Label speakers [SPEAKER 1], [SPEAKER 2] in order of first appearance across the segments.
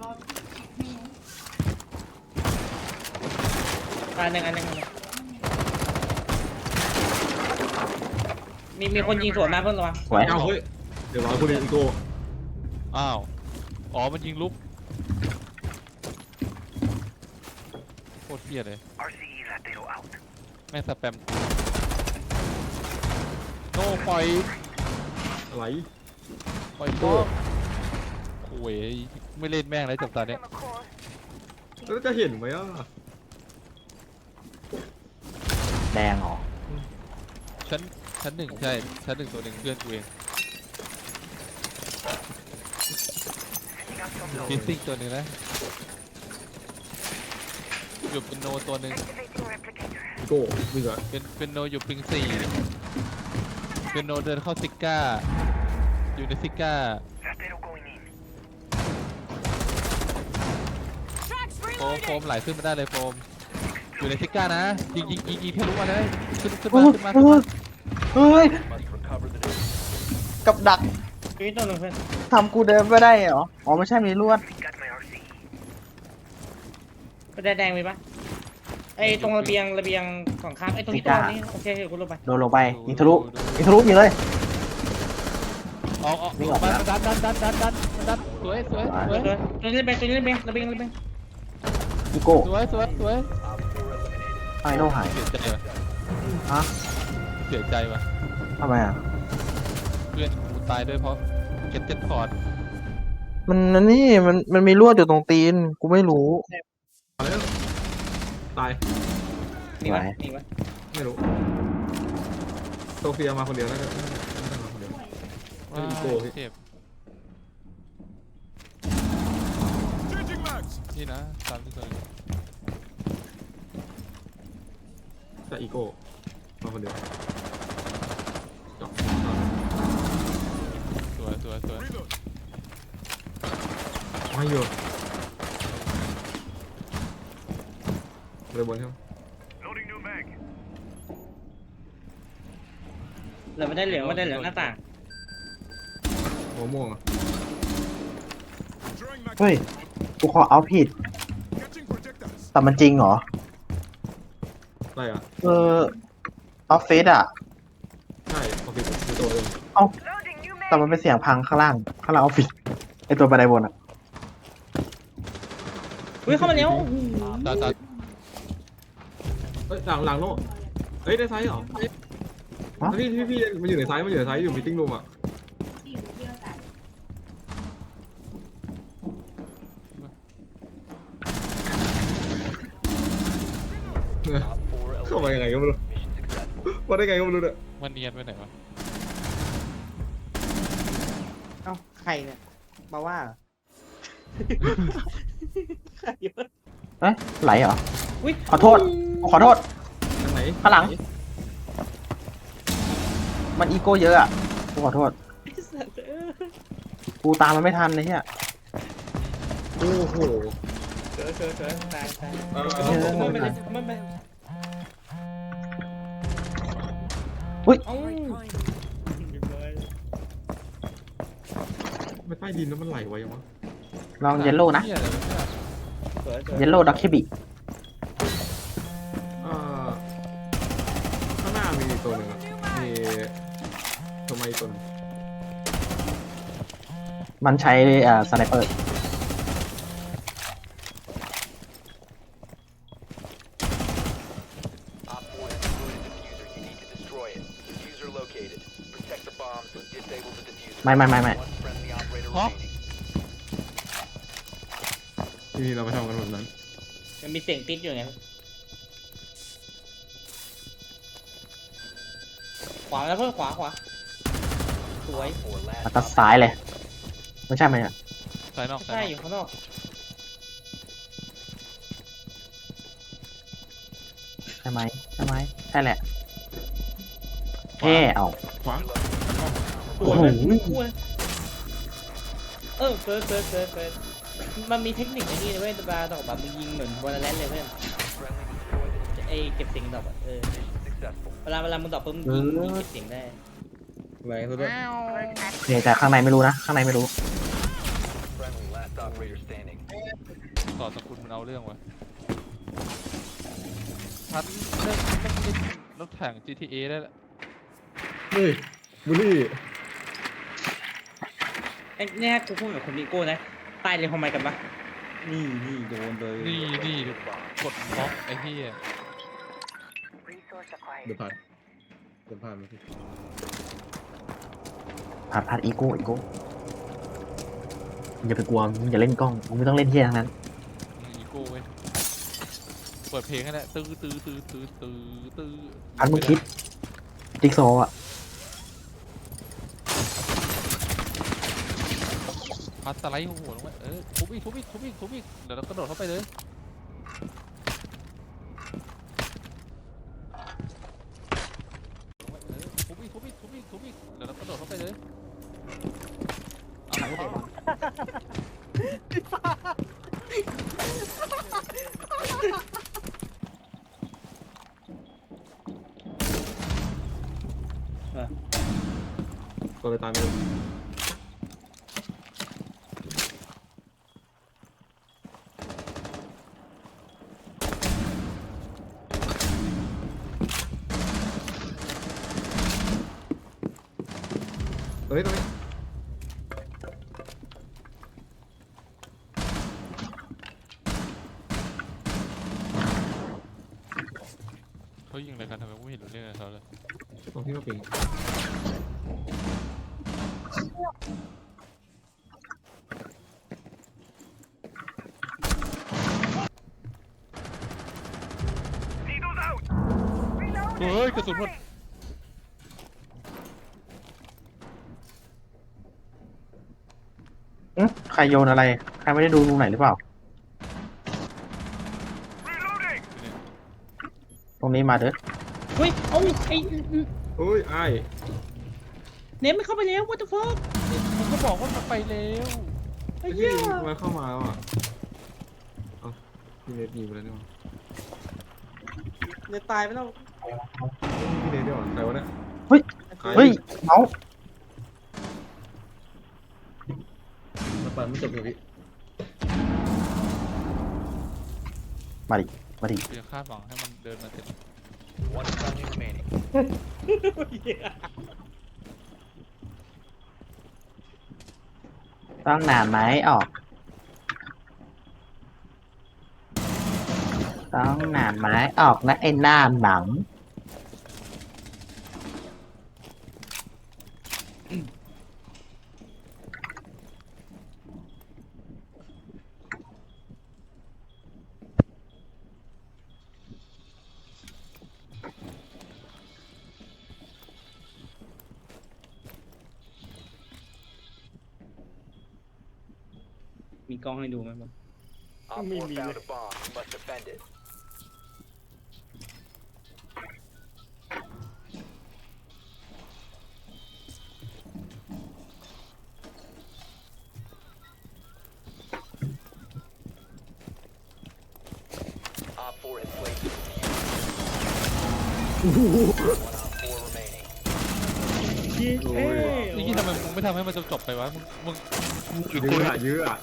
[SPEAKER 1] อันหนึ่งมีคนยิงสวนมาเพิ่งระวัง
[SPEAKER 2] สวย
[SPEAKER 3] เอาเฮ้ยเดี๋ยวรอคุณอีโก้
[SPEAKER 4] อ้าวอ๋อมันยิงลุกโคตรเพี้ยเลยแม่งสแปมโน่ปล่อย
[SPEAKER 3] อะไร
[SPEAKER 4] โก้โอ้ยไม่เล่นแม่งเลยจับตาเนี้ย
[SPEAKER 3] แล้วจะเห็นไหมอ่ะ
[SPEAKER 2] แดงเหรอ
[SPEAKER 4] ชั้นหนึ่งใช่ชั้นหนึ่งตัวหนึ่งเพื่อนกูเองฟิซซิ่งตัวหนึ่งนะอยู่เป็นโนตัวหนึ่ง
[SPEAKER 3] อีโก้มึงเหรอ
[SPEAKER 4] เป็นโนอยู่ปิง4เป็นโนเดินเข้าซิก้าอยู่ในซิก้าโฟมไหลขึ้นมาได้เลยโฟมอยู่ในซิก้านะยิงทะลุมาเลยขึ้นมา
[SPEAKER 2] เฮ้ยกับดัก
[SPEAKER 1] ชีวิตตัวหนึ่งเพื่อน
[SPEAKER 2] ทำกูเดินไม่ได้เหรออ๋อไม่ใช่มีลวด
[SPEAKER 1] ก็แดงมีปะไอ้ตรงระเบียงของข้ามไอ้ตรงนี้ตัวนี้โอเคกูลงไป
[SPEAKER 2] โดนลงไปยิงทะลุยิงเลย
[SPEAKER 4] ออกมาดันสวย
[SPEAKER 1] ตัวนี้ระเบียงระเบียง
[SPEAKER 2] อีโก้
[SPEAKER 4] สวย
[SPEAKER 2] ไอโน่หาย
[SPEAKER 4] เสียใจว่ะ
[SPEAKER 2] ฮะ
[SPEAKER 4] เสียใจว่ะ
[SPEAKER 2] ทำไมอ่ะ
[SPEAKER 4] เพื่อนกูตายด้วยเพราะเก็ตคอร์ด
[SPEAKER 2] มันนี่มันมีลวดอยู่ตรงตีนกูไม่รู้
[SPEAKER 3] มาแล้วตาย
[SPEAKER 1] มีปะ
[SPEAKER 3] ไม่รู้โซเฟียมาคนเดียวน่าจะมาคนเดียว
[SPEAKER 4] ว้า
[SPEAKER 3] อีโก้พี่
[SPEAKER 4] เจ็บนี่นะ3 2
[SPEAKER 3] แต่อีโก้มาคนเดียวจบ
[SPEAKER 4] สวย
[SPEAKER 3] ไม่อยู่เลยบนใช่ไหม
[SPEAKER 1] เหลือไม่ได้เหลืองหน้าต่าง
[SPEAKER 3] หัวม่วงอ่ะ
[SPEAKER 2] เฮ้ยกูขอเอาผิดแต่มันจริงเหรอ
[SPEAKER 3] อะไรอ่ะ
[SPEAKER 2] ออฟฟิศอ่ะ
[SPEAKER 3] ใช่ออฟฟิศคือตัวเอง
[SPEAKER 2] แต่มันเป็นเสียงพังข้างล่างออฟฟิศไอตัวบันไดบนอ่ะ
[SPEAKER 1] เฮ้ยเข้ามาแล้ว
[SPEAKER 4] ตา
[SPEAKER 3] เฮ้ยหลังโน่เฮ้ยได้ไซส์เหรอพี่มันอยู่ในไซส์อยู่มิทติ้งรูมอ่ะเข้ามายังไงก็ไม่รู้ว่าได้ไงก็ไม่รู้เนี่ย
[SPEAKER 4] มันเนียนไปไหนวะ
[SPEAKER 1] เอ้าใครเนี่ยมาว่าใครวะ
[SPEAKER 2] เอ๊ะไหลเหรอ
[SPEAKER 1] อุ้ย
[SPEAKER 2] ขอโทษ ขอโทษ
[SPEAKER 3] ทางไหน
[SPEAKER 2] ข้างหลัง มันอีโก้เยอะอ่ะกูขอโทษ
[SPEAKER 1] ไอ้สัตว์เอ้ย
[SPEAKER 2] กูตามมันไม่ทันเลยเนี่ย
[SPEAKER 3] โอ้โห
[SPEAKER 1] เสือตาย
[SPEAKER 3] ไม่
[SPEAKER 1] ไม่
[SPEAKER 3] เป็นไร
[SPEAKER 1] ไป
[SPEAKER 2] อุ๊ย
[SPEAKER 1] เอ้า
[SPEAKER 3] ไม่ใต้ดินแล้วมันไหลไวยังวะ
[SPEAKER 2] ลองเยลโล่นะ
[SPEAKER 4] เหี้ยอะไรวะเนี่ย
[SPEAKER 2] เยลโล่ด็อกคิบิ
[SPEAKER 3] ข้างหน้ามีตัวหนึ่งอ่ะมีทำไมตัวนึง
[SPEAKER 2] มันใช้สไนเปอร์ ไม่
[SPEAKER 4] ฮะ
[SPEAKER 3] ที่นี่เราไปทำกันแบบนั้น
[SPEAKER 1] มันมีเสียงติดอยู่ไงขวาแล้วเพื่อนขวาสวย
[SPEAKER 2] แล้วก็ซ้ายเลย ไม่ใช่ไหมอ่ะ
[SPEAKER 4] สายนอก
[SPEAKER 1] ใช่อยู่ข้างนอก
[SPEAKER 2] ใช่ไหมใช่แหละแค่เอา
[SPEAKER 3] ขวา
[SPEAKER 1] สวยเลยคู่เลยเฟิร์สมันมีเทคนิคไอ้นี่นะเว้ยตาต่อแบบมึงยิงเหมือนวอลเลนเลยเพื่อนไอ้เก็บเสียงดอกอะเวลามึงดอกปุ๊บมึงยิงเก็บเสียงได้
[SPEAKER 3] แรงซะด้วย
[SPEAKER 2] โอเคแต่ข้างในไม่รู้นะ ข้างในไม่รู้
[SPEAKER 4] ต่อสกุลมันเอาเรื่องวะพัดเล่นรถแข่ง GTA ได้แล้ว
[SPEAKER 3] เฮ้ยบุลี่
[SPEAKER 1] ไอ้เนี่ยกูพูดกับคนนิโก้นะตายเลยทำไมกันปะนี่โดนเลย
[SPEAKER 4] นี่กดบล็อกไอ้เหี้ย
[SPEAKER 3] เดี๋ยวผ่านมาพี่
[SPEAKER 2] ผัดอีโก้อย่าไปกลัวมึงอย่าเล่นกล้องมึงไม่ต้องเล่นเที่ยทั้งนั้น
[SPEAKER 4] อีโก้เว้ยเปิดเพลงให้แหละตื้อ
[SPEAKER 2] พัดมึงคิดจิ๊กซอว์อ่ะ
[SPEAKER 4] พัดสไลด์หัวลงไปทุบอีกเดี๋ยวเรากระโดดเข้าไปเลยทุบอีกเดี๋ยวเรากระโดดเข้าไปเลย
[SPEAKER 3] ตัวอะไรตายไม่รู้ตรงนี้
[SPEAKER 4] เขายิงอะไรกันทำไมกูไม่เห็นรู้เรื่องอะไรเขาเลย
[SPEAKER 3] ตรงที่มาปิง
[SPEAKER 4] เฮ้ยกระสุนหมด
[SPEAKER 2] ใครโยนอะไรใครไม่ได้ดูตรงไหนหรือเปล่าตรงนี้มาเด้อ
[SPEAKER 1] เฮ้ยเอาไอ้
[SPEAKER 3] โอ้ยไอ้
[SPEAKER 1] เนมไม่เข้าไปแล้ว what the fuck
[SPEAKER 4] ผมก็บอกว่ามันไปแล้ว
[SPEAKER 1] ไอ้
[SPEAKER 3] ที่
[SPEAKER 1] เหี้ย
[SPEAKER 3] มาเข้ามาแล้วอ่ะเอ้าพี่เนทยิงไปแล้วนี่หว่า
[SPEAKER 1] เนมตายไปแล้ว
[SPEAKER 3] พี่เนทด้วยเหรอใครวะเนี่ย
[SPEAKER 2] เฮ้ยเมาส์
[SPEAKER 3] มาปั่นไม่จบเลยพี่
[SPEAKER 2] มาดิ
[SPEAKER 4] กูยังคาดหวังให้มันเดินมาเสร็จ
[SPEAKER 2] ต้องนานไหมออกต้องนานไหมออกนะไอ้หน้าหนัง
[SPEAKER 1] มีกล้องให้ดูไหมบ้าง
[SPEAKER 5] Op 4 found a bomb. You must defend it. Op 4 has placed the diffuser. 1 Op 4 remaining.
[SPEAKER 3] โอ้ย
[SPEAKER 4] นี่ทำไมมึงไม่ทำให้มันจบไปวะมึง
[SPEAKER 3] ยื้ออ่ะ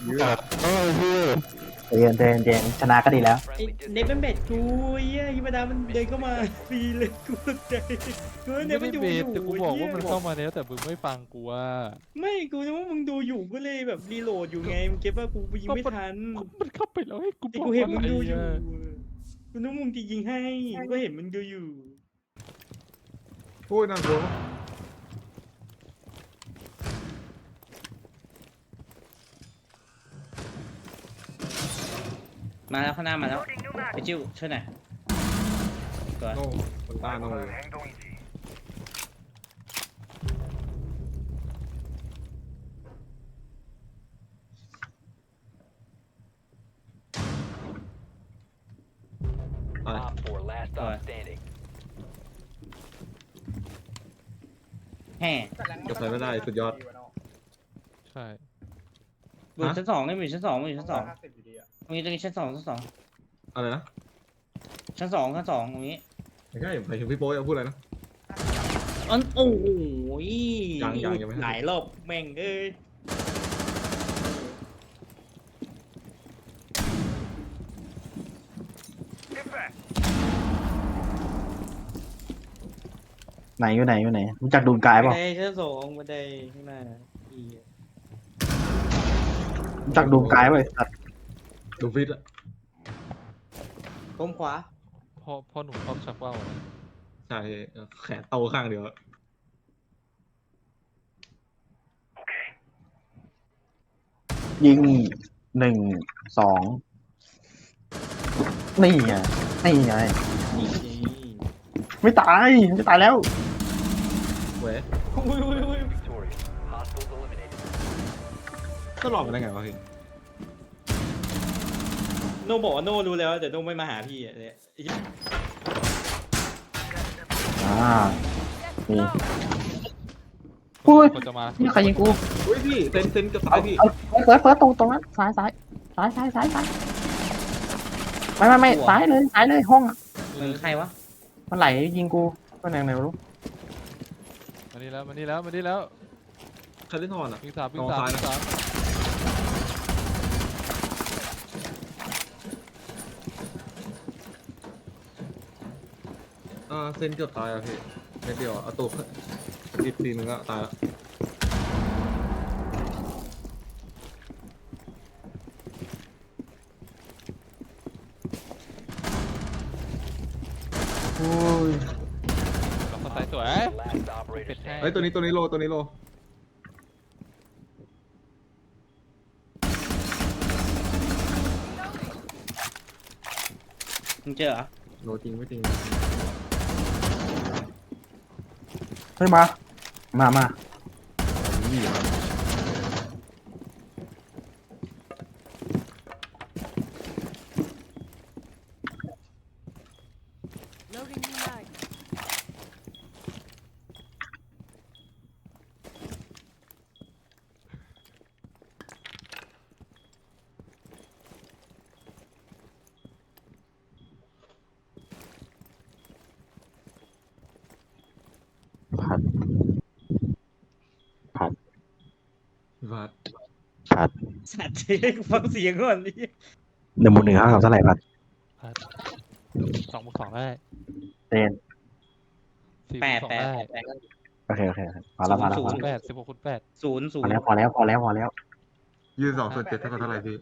[SPEAKER 2] เย็นชนะก็ดีแล้ว
[SPEAKER 1] ไอ้
[SPEAKER 5] Friendly
[SPEAKER 1] เนมเป็นเบ็ดกูไอ้เหี้ยฮิมาดามันเดินเข้ามาฟรีเลยกูตกใจกูเน
[SPEAKER 4] ไม่
[SPEAKER 1] ม
[SPEAKER 4] ได้
[SPEAKER 1] มันดู
[SPEAKER 4] เบ
[SPEAKER 1] อ
[SPEAKER 4] ส
[SPEAKER 1] ยู่
[SPEAKER 4] แต่กูบอกว่ามัน
[SPEAKER 1] ไอ้
[SPEAKER 4] เข้า
[SPEAKER 1] เหี้ย
[SPEAKER 4] มาแล้วแต่มึงไม่ฟังกูว่า
[SPEAKER 1] ไม่กูนึกว่ามึงดูอยู่ก็เลยแบบรีโหลดอยู่ไงมึงเก็บว่ากูยิงไม่ทัน
[SPEAKER 4] มันเข้าไปแล้วให้กู
[SPEAKER 1] ไอ้
[SPEAKER 4] บอก
[SPEAKER 1] กูเห็นมึง
[SPEAKER 4] อะไร
[SPEAKER 1] ดูอยู่
[SPEAKER 4] อะ
[SPEAKER 1] กูนึกมึงจะยิงให้กูก็เห็นมึงดูอยู่
[SPEAKER 3] โอ้ยน่ากลัว
[SPEAKER 1] มาแล้วข้างหน้ามาแล้วไปจิ้วช่วยหน่อยตัว
[SPEAKER 3] โน่คนตาโน่เลยอะไร
[SPEAKER 5] Op 4 last stop standing.
[SPEAKER 1] แห่
[SPEAKER 3] กับใครไม่ได้สุดยอด
[SPEAKER 4] ใช่
[SPEAKER 1] อยู่ชั้นสองนี่อยู่ชั้นสองอยู่ชั้นสองตรงนี้ชั้นสอง
[SPEAKER 3] อะไรนะ
[SPEAKER 1] ชั้นสองตรงนี้
[SPEAKER 3] ไม่ใช่ไปถึงพี่โป้ยพูดอะไรนะ
[SPEAKER 1] อันโอ้โห
[SPEAKER 3] ยังไม่ให้
[SPEAKER 1] หลายรอบแม่งเอ้ย
[SPEAKER 2] ไหนอยู่ไหนอยู่ไหนรู้จักดูนกาย
[SPEAKER 1] บั
[SPEAKER 2] เป
[SPEAKER 1] น
[SPEAKER 2] ล่า
[SPEAKER 1] ไดชั้นสองบันไดข้างหน้าอี
[SPEAKER 2] รู้จักดูนกายเปล่าไอ้สัตว์
[SPEAKER 3] ดูฟิตอะ
[SPEAKER 1] ก้มขวา
[SPEAKER 4] พ่อหนุ่มชอบชักว่าวอะ
[SPEAKER 3] ใช่แขนโตข้างเดียว
[SPEAKER 2] ยิง1 2นี่ไงนี่ไง
[SPEAKER 1] นี่
[SPEAKER 2] ไม่ตายไม่ตายแล้ว
[SPEAKER 3] เว้ย
[SPEAKER 1] อุ้ย
[SPEAKER 5] Victorious. Hostiles eliminated.
[SPEAKER 3] ก็หลอกกันได้ไงวะพี่
[SPEAKER 1] โนบอกว่าโนรู้แล้วแต่โนไม่มาหาพี่อะเนี่ย
[SPEAKER 2] นี่ อุ้ย
[SPEAKER 4] คนจะมา
[SPEAKER 2] นี่ใครยิงกู
[SPEAKER 3] อุ้ยพี่เซนกับซ้ายพี่
[SPEAKER 2] เฟิร์สตรงนั้นซ้ายไม่ซ้ายเลยห้องอะ
[SPEAKER 1] มันใครวะ
[SPEAKER 2] มันไหลยิงกูก็ไหนไม่รู้
[SPEAKER 4] มานี่แล้ว
[SPEAKER 3] คาริทอนอะ
[SPEAKER 4] วิ่งสาม
[SPEAKER 3] เซนเกือบตายอะพี่เม็ดเดียวอะเอาตัวอีกทีนึงก็ตายละ
[SPEAKER 2] อุ้ย
[SPEAKER 4] เราเข้าใจสวย
[SPEAKER 5] Last operator
[SPEAKER 4] เป็ดแห้ง
[SPEAKER 5] standing.
[SPEAKER 3] เฮ้ยตัวนี้โลตัวนี้โล
[SPEAKER 1] มึงเจอเหรอ
[SPEAKER 3] โลจริงไม่จริง
[SPEAKER 2] เฮ้ยมา
[SPEAKER 6] Loading new mag.
[SPEAKER 2] ผัด
[SPEAKER 3] พี่พัด
[SPEAKER 2] ผัด
[SPEAKER 1] สัตว์ฟังเสียงก่อนดิ
[SPEAKER 2] 1 5ครับเท่าไหร่ผัด
[SPEAKER 4] 2 บวก 2ได้
[SPEAKER 2] เตน
[SPEAKER 4] 4
[SPEAKER 1] แป
[SPEAKER 4] บว
[SPEAKER 1] ด
[SPEAKER 4] ก 2
[SPEAKER 1] แปด
[SPEAKER 4] ได้
[SPEAKER 1] แปด
[SPEAKER 2] โอเคพอแล้ว
[SPEAKER 1] ศูนย์
[SPEAKER 4] 8 16 คูณ 8
[SPEAKER 1] ศูนย์
[SPEAKER 2] พอแล้ว
[SPEAKER 3] 22/7เท่ากับเท่าไหร่พี่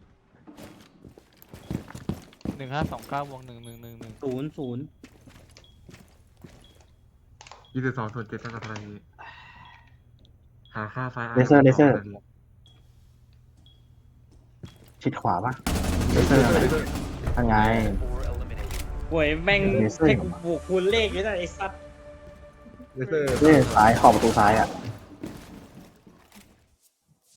[SPEAKER 4] 1529บวก1
[SPEAKER 1] ศูนย์
[SPEAKER 3] 22/7เท่ากับเท่าไหร่พี่หาค่าไฟ
[SPEAKER 2] เลเซอร์ชิดขวาปะเลเซอร์อะไรทางไง
[SPEAKER 5] Four eliminated.
[SPEAKER 1] หวยแม่ง
[SPEAKER 2] เลเซอร์
[SPEAKER 1] ให้กูบวกคูณเลขอยู่นะไอ้สัตว์
[SPEAKER 3] เลเซอร์
[SPEAKER 2] นี่ซ้ายขอบประตูซ้ายอ่ะ
[SPEAKER 5] Op